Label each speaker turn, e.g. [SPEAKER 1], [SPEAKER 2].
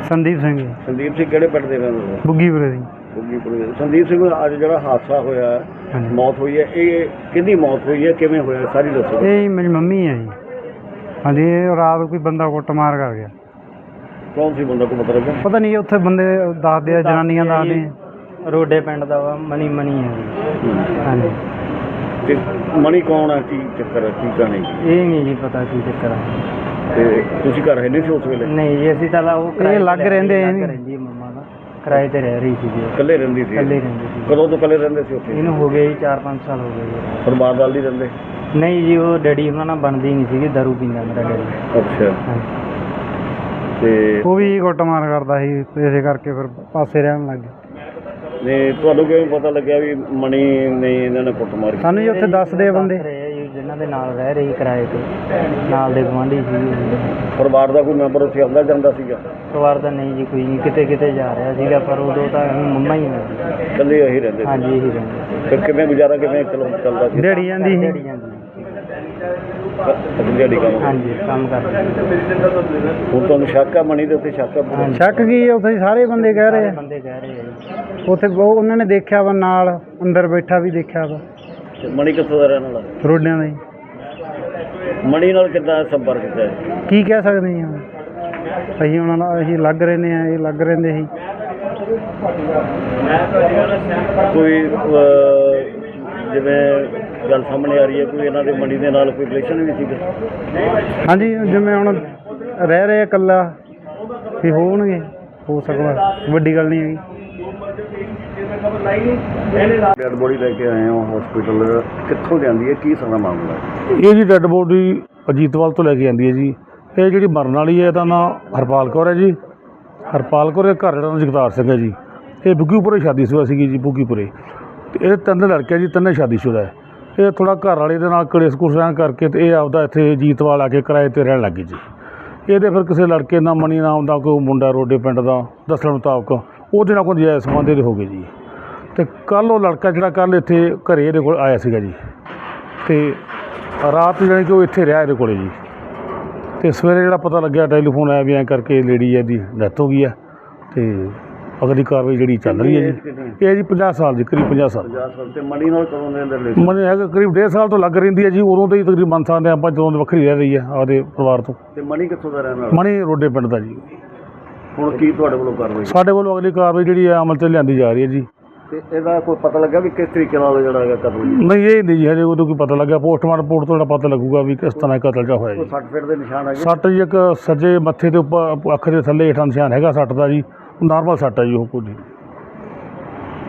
[SPEAKER 1] संदीप सिंह जी।
[SPEAKER 2] संदीप सिंह किहड़े पिंड दे रहण वाले?
[SPEAKER 1] बुग्गीपुरे दी।
[SPEAKER 2] बुग्गीपुरे दे। संदीप सिंह अज जिहड़ा हादसा होया मौत हुई है, ये किहदी मौत हुई है, किवें होया सारी दसो।
[SPEAKER 1] ये मेरी मम्मी है जी। हाँ जी, रात कोई बंदा कुटमार कर गया।
[SPEAKER 2] कौन सी बंदा को पता लगा?
[SPEAKER 1] पता नहीं, उत्थे बंदे दसदे जनानियां दसदे रोडे पिंड दा मनी मनी है जी। हाँ जी।
[SPEAKER 2] ते मनी कौन है, की चक्कर है, की कहानी?
[SPEAKER 1] ये नहीं जी पता की चक्कर है।
[SPEAKER 2] ते तुसीं घर है नहीं सी उस वेले?
[SPEAKER 1] नहीं जी, ਅਸੀਂ ਤਾਂ ਉਹ ਲੱਗ ਰਹਿੰਦੇ ਰਹਿੰਦੀ ਮੰਮਾ ਦਾ ਕਿਰਾਏ ਤੇ ਰਹਿ ਰਹੀ ਸੀ ਜੀ।
[SPEAKER 2] ਇਕੱਲੇ ਰਹਿੰਦੀ ਸੀ?
[SPEAKER 1] ਇਕੱਲੇ ਰਹਿੰਦੀ ਸੀ।
[SPEAKER 2] ਕਦੋਂ ਤੋਂ ਇਕੱਲੇ ਰਹਿੰਦੇ ਸੀ ਉੱਥੇ?
[SPEAKER 1] ਇਹਨੂੰ ਹੋ ਗਏ 4-5 ਸਾਲ ਹੋ ਗਏ ਜੀ।
[SPEAKER 2] ਪਰਿਵਾਰ ਨਾਲ ਨਹੀਂ ਰਹਿੰਦੇ?
[SPEAKER 1] ਨਹੀਂ ਜੀ, ਉਹ ਡੈਡੀ ਉਹਨਾਂ ਨਾਲ ਬਣਦੀ ਨਹੀਂ ਸੀਗੀ, ਦਾਰੂ ਪੀਂਦਾ ਮੇਰਾ ਡੈਡੀ।
[SPEAKER 2] ਅੱਛਾ। ਤੇ
[SPEAKER 1] ਉਹ ਵੀ ਕੁੱਟਮਾਰ ਕਰਦਾ ਸੀ, ਇਸੇ ਕਰਕੇ ਫਿਰ ਪਾਸੇ ਰਹਿਣ ਲੱਗ ਗਏ।
[SPEAKER 2] ਨਹੀਂ, ਤੁਹਾਨੂੰ ਕਿਵੇਂ ਪਤਾ ਲੱਗਿਆ ਵੀ ਮਣੀ ਨੇ ਇਹਨਾਂ ਨੇ ਕੁੱਟਮਾਰ ਕੀਤੀ?
[SPEAKER 1] ਸਾਨੂੰ ਜੀ ਉੱਥੇ ਦੱਸਦੇ ਬੰਦੇ ਜਿਨ੍ਹਾਂ ਦੇ ਨਾਲ ਰਹਿ ਰਹੀ ਕਿਰਾਏ ਤੇ, ਨਾਲ ਦੇ ਗੁਆਂਢੀ ਸੀ।
[SPEAKER 2] ਪਰਿਵਾਰ ਦਾ ਕੋਈ ਮੈਂਬਰ ਉੱਥੇ ਆਉਂਦਾ ਜਾਂਦਾ ਸੀਗਾ?
[SPEAKER 1] ਪਰਿਵਾਰ ਦਾ ਨਹੀਂ ਜੀ, ਕੋਈ ਨਹੀਂ, ਕਿਤੇ ਕਿਤੇ ਜਾ ਰਿਹਾ ਸੀਗਾ, ਪਰ ਉਦੋਂ ਤਾਂ ਮੰਮਾ ਹੀ ਮਿਲਦੀ ਸੀ।
[SPEAKER 2] ਇਕੱਲੇ ਇਹੀ ਰਹਿੰਦੇ ਸੀ?
[SPEAKER 1] ਹਾਂਜੀ, ਇਹੀ ਰਹਿੰਦੇ।
[SPEAKER 2] ਫਿਰ ਕਿਵੇਂ ਗੁਜ਼ਾਰਾ ਕਿਵੇਂ ਚੱਲਦਾ ਸੀ?
[SPEAKER 1] ਦਿਹਾੜੀ ਜਾਂਦੀ ਸੀ।
[SPEAKER 2] ਦਿਹਾੜੀ ਕੰਮ?
[SPEAKER 1] ਹਾਂਜੀ, ਕੰਮ ਕਰਦੇ।
[SPEAKER 2] ਹੁਣ ਤੁਹਾਨੂੰ ਸ਼ੱਕ ਆ ਮਣੀ ਦੇ ਉੱਤੇ? ਸ਼ੱਕ ਆ?
[SPEAKER 1] ਸ਼ੱਕ ਕੀ ਹੈ, ਉੱਥੇ ਸਾਰੇ ਬੰਦੇ ਕਹਿ ਰਹੇ ਆ। ਬੰਦੇ ਕਹਿ ਰਹੇ ਆ ਜੀ। ਉੱਥੇ ਉਹਨਾਂ ਨੇ ਦੇਖਿਆ ਵਾ, ਨਾਲ ਅੰਦਰ ਬੈਠਾ ਵੀ ਦੇਖਿਆ ਵਾ।
[SPEAKER 2] ਮਣੀ ਕਿੱਥੋਂ ਦਾ ਰਹਿਣ ਵਾਲਾ?
[SPEAKER 1] ਰੋਡਿਆਂ ਦਾ ਜੀ।
[SPEAKER 2] ਮਣੀ ਨਾਲ ਕਿੱਦਾਂ ਸੰਪਰਕ ਕੀਤਾ?
[SPEAKER 1] ਕੀ ਕਹਿ ਸਕਦੇ ਜੀ ਹੁਣ, ਅਸੀਂ ਉਹਨਾਂ ਨਾਲ ਅਸੀਂ ਲੱਗ ਰਹਿੰਦੇ ਆ, ਇਹ ਲੱਗ ਰਹਿੰਦੇ ਸੀ।
[SPEAKER 2] ਕੋਈ ਜਿਵੇਂ ਗੱਲ ਸਾਹਮਣੇ ਆ ਰਹੀ ਹੈ, ਕੋਈ ਇਹਨਾਂ ਦੇ ਮਣੀ ਦੇ ਨਾਲ ਕੋਈ ਰਿਲੇਸ਼ਨ ਵੀ ਸੀਗਾ?
[SPEAKER 1] ਹਾਂਜੀ, ਜਿਵੇਂ ਹੁਣ ਰਹਿ ਰਹੇ ਇਕੱਲਾ ਵੀ ਹੋਣਗੇ, ਹੋ ਸਕਦਾ, ਵੱਡੀ ਗੱਲ ਨਹੀਂ ਹੈਗੀ।
[SPEAKER 2] ਡੈਡ ਬੋਡੀ ਲੈ ਕੇ ਆਏ ਹੋ ਹਸਪੀਟਲ, ਕਿੱਥੋਂ ਜਾਂਦੀ ਹੈ, ਕੀ ਸਾਰਾ ਮਾਮਲਾ ਹੈ?
[SPEAKER 3] ਇਹ ਜੀ ਡੈਡ ਬੋਡੀ ਅਜੀਤਵਾਲ ਤੋਂ ਲੈ ਕੇ ਆਉਂਦੀ ਹੈ ਜੀ। ਇਹ ਜਿਹੜੀ ਮਰਨ ਵਾਲੀ ਹੈ, ਇਹਦਾ ਨਾਂ ਹਰਪਾਲ ਕੌਰ ਹੈ ਜੀ। ਹਰਪਾਲ ਕੌਰ ਦੇ ਘਰ ਜਿਹੜਾ ਜਗਤਾਰ ਸਿੰਘ ਹੈ ਜੀ। ਇਹ ਬੁੱਗੀਪੁਰੇ ਸ਼ਾਦੀशुदा ਸੀਗੀ ਜੀ, ਬੁੱਗੀਪੁਰੇ। ਅਤੇ ਇਹ 3 ਲੜਕੇ ਜੀ, 3 ਸ਼ਾਦੀशुदा ਹੈ। ਇਹ ਥੋੜ੍ਹਾ ਘਰ ਵਾਲੇ ਦੇ ਨਾਲ ਕਲੇਸ਼ ਕੁਲੇਸ਼ ਰਹਿਣ ਕਰਕੇ ਅਤੇ ਇਹ ਆਪਦਾ ਇੱਥੇ ਅਜੀਤਵਾਲ ਆ ਕੇ ਕਿਰਾਏ 'ਤੇ ਰਹਿਣ ਲੱਗ ਗਈ ਜੀ। ਇਹਦੇ ਫਿਰ ਕਿਸੇ ਲੜਕੇ ਨਾਲ ਮਣੀ ਨਾਮ ਦਾ ਕੋਈ ਮੁੰਡਾ ਰੋਡੇ ਪਿੰਡ ਦਾ ਦੱਸਣ ਮੁਤਾਬਕ ਉਹਦੇ ਨਾਲ ਕੋਈ ਜਾਇਜ਼ ਸੰਬੰਧ ਇਹਦੇ ਹੋ ਗਏ ਜੀ। ਅਤੇ ਕੱਲ੍ਹ ਉਹ ਲੜਕਾ ਜਿਹੜਾ ਕੱਲ੍ਹ ਇੱਥੇ ਘਰੇ ਇਹਦੇ ਕੋਲ ਆਇਆ ਸੀਗਾ ਜੀ, ਅਤੇ ਰਾਤ ਜਾਣੀ ਕਿ ਉਹ ਇੱਥੇ ਰਿਹਾ ਇਹਦੇ ਕੋਲ ਜੀ। ਅਤੇ ਸਵੇਰੇ ਜਿਹੜਾ ਪਤਾ ਲੱਗਿਆ, ਟੈਲੀਫੋਨ ਆਇਆ ਵੀ ਐਂ ਕਰਕੇ ਲੇਡੀ ਇਹਦੀ ਡੈਥ ਹੋ ਗਈ ਹੈ, ਅਤੇ ਅਗਲੀ ਕਾਰਵਾਈ ਜਿਹੜੀ ਚੱਲ ਰਹੀ ਹੈ ਜੀ। ਇਹ ਜੀ 50 ਸਾਲ ਜੀ, ਕਰੀਬ 50 ਸਾਲ।
[SPEAKER 2] 50 ਸਾਲ। ਅਤੇ ਮਣੀ ਨਾਲ ਕਦੋਂ ਦੇ ਅੰਦਰ?
[SPEAKER 3] ਮਣੀ ਹੈਗਾ ਕਰੀਬ 1.5 ਸਾਲ ਤੋਂ ਲੱਗ ਰਹਿੰਦੀ ਹੈ ਜੀ। ਉਦੋਂ ਤੋਂ ਹੀ ਤਕਰੀਬਨ ਮੰਨ ਸਕਦੇ ਆਪਾਂ, ਜਦੋਂ ਦੀ ਵੱਖਰੀ ਰਹਿ ਰਹੀ ਹੈ ਆਪਦੇ ਪਰਿਵਾਰ ਤੋਂ।
[SPEAKER 2] ਅਤੇ ਮਣੀ ਕਿੱਥੋਂ ਦਾ ਰਹਿਣ ਵਾਲਾ?
[SPEAKER 3] ਮਣੀ ਰੋਡੇ ਪਿੰਡ ਦਾ ਜੀ।
[SPEAKER 2] ਹੁਣ ਕੀ ਤੁਹਾਡੇ ਵੱਲੋਂ ਕਾਰਵਾਈ?
[SPEAKER 3] ਸਾਡੇ ਵੱਲੋਂ ਅਗਲੀ ਕਾਰਵਾਈ ਜਿਹੜੀ ਹੈ ਅਮਲ 'ਚ ਲਿਆਂਦੀ ਜਾ ਰਹੀ ਹੈ ਜੀ।
[SPEAKER 2] ਅਤੇ ਇਹਦਾ ਕੋਈ ਪਤਾ ਲੱਗਾ ਵੀ ਕਿਸ ਤਰੀਕੇ ਨਾਲ ਜਿਹੜਾ ਹੈਗਾ ਕਤਲ ਹੋਇਆ?
[SPEAKER 3] ਨਹੀਂ, ਇਹ ਨਹੀਂ ਜੀ, ਹਜੇ ਉਦੋਂ ਕੋਈ ਪਤਾ ਲੱਗਿਆ। ਪੋਸਟਮਾਰਟਮ ਰਿਪੋਰਟ ਤੋਂ ਜਿਹੜਾ ਪਤਾ ਲੱਗੂਗਾ ਵੀ ਕਿਸ ਤਰ੍ਹਾਂ ਕਤਲ ਜਿਹਾ ਹੋਇਆ ਜੀ।
[SPEAKER 2] 60 ਫੀਟ ਦੇ ਨਿਸ਼ਾਨ ਹੈਗੇ?
[SPEAKER 3] ਸੱਟ ਜੀ, ਇੱਕ ਸੱਜੇ ਮੱਥੇ ਦੇ ਉੱਪਰ, ਅੱਖ ਦੇ ਥੱਲੇ ਹੇਠਾਂ ਨਿਸ਼ਾਨ ਹੈਗਾ ਸੱਟ ਦਾ ਜੀ। ਨਾਰਮਲ ਸੱਟ ਹੈ ਜੀ, ਉਹ ਕੋਈ